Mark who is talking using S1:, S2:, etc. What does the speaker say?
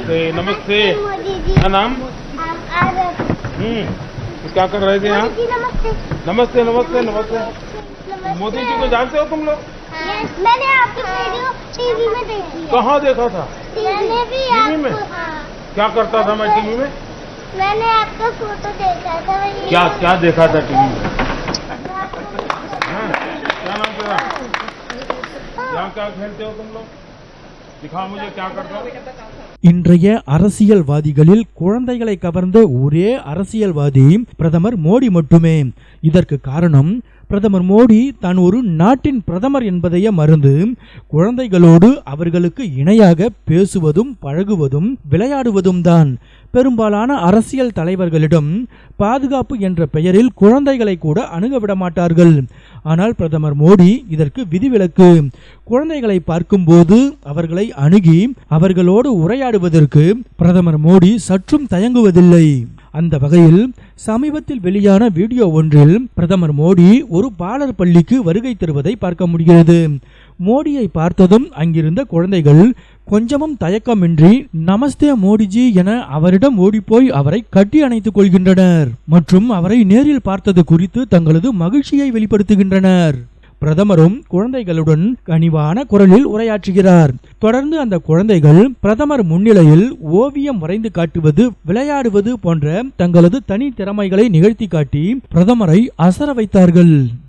S1: नमस्ते नमस्ते।
S2: मोदी जी।
S1: क्या नाम? क्या कर रहे थे यहाँ? नमस्ते नमस्ते नमस्ते। मोदी जी को जानते हो तुम लोग?
S2: मैंने आपकी वीडियो टीवी में देखी है।
S1: कहाँ देखा था?
S2: मैंने भी
S1: टीवी में? क्या करता था मैं टीवी में?
S2: मैंने आपका फोटो देखा था।
S1: क्या क्या देखा था टीवी में? क्या नाम तेरा? यहाँ क्या खेलते हो तुम लोग? दिखाओ मुझे क्या करते हो।
S3: இன்றைய அரசியல்வாதிகளில் குழந்தைகளை கவர்ந்த ஒரே அரசியல்வாதி பிரதமர் மோடி மட்டுமே. இதற்கு காரணம் பிரதமர் மோடி தான் ஒரு நாட்டின் பிரதமர் என்பதையே மறந்து குழந்தைகளோடு அவர்களுக்கு இணையாக பேசுவதும் பழகுவதும் விளையாடுவதும் தான். பெரும்பாலான அரசியல் தலைவர்களிடம் பாதுகாப்பு என்ற பெயரில் குழந்தைகளை கூட அணுக விட மாட்டார்கள். ஆனால் பிரதமர் மோடி இதற்கு விதிவிலக்கு. குழந்தைகளை பார்க்கும்போது அவர்களை அணுகி அவர்களோடு உரையாடுவதற்கு பிரதமர் மோடி சற்றும் தயங்குவதில்லை. அந்த வகையில் சமீபத்தில் வெளியான வீடியோ ஒன்றில் பிரதமர் மோடி ஒரு பாலர் பள்ளிக்கு வருகை தருவதை பார்க்க முடிகிறது. மோடியை பார்த்ததும் அங்கிருந்த குழந்தைகள் கொஞ்சமும் தயக்கமின்றி நமஸ்தே மோடிஜி என அவரிடம் ஓடிப்போய் அவரை கட்டி அணைத்துக் கொள்கின்றனர் மற்றும் அவரை நேரில் பார்த்தது குறித்து தங்களது மகிழ்ச்சியை வெளிப்படுத்துகின்றனர். பிரதமரும் குழந்தைகளுடன் கனிவான குரலில் உரையாற்றுகிறார். தொடர்ந்து அந்த குழந்தைகள் பிரதமர் முன்னிலையில் ஓவியம் வரைந்து காட்டுவது, விளையாடுவது போன்ற தங்களது தனி திறமைகளை நிகழ்த்தி காட்டி பிரதமரை அசர வைத்தார்கள்.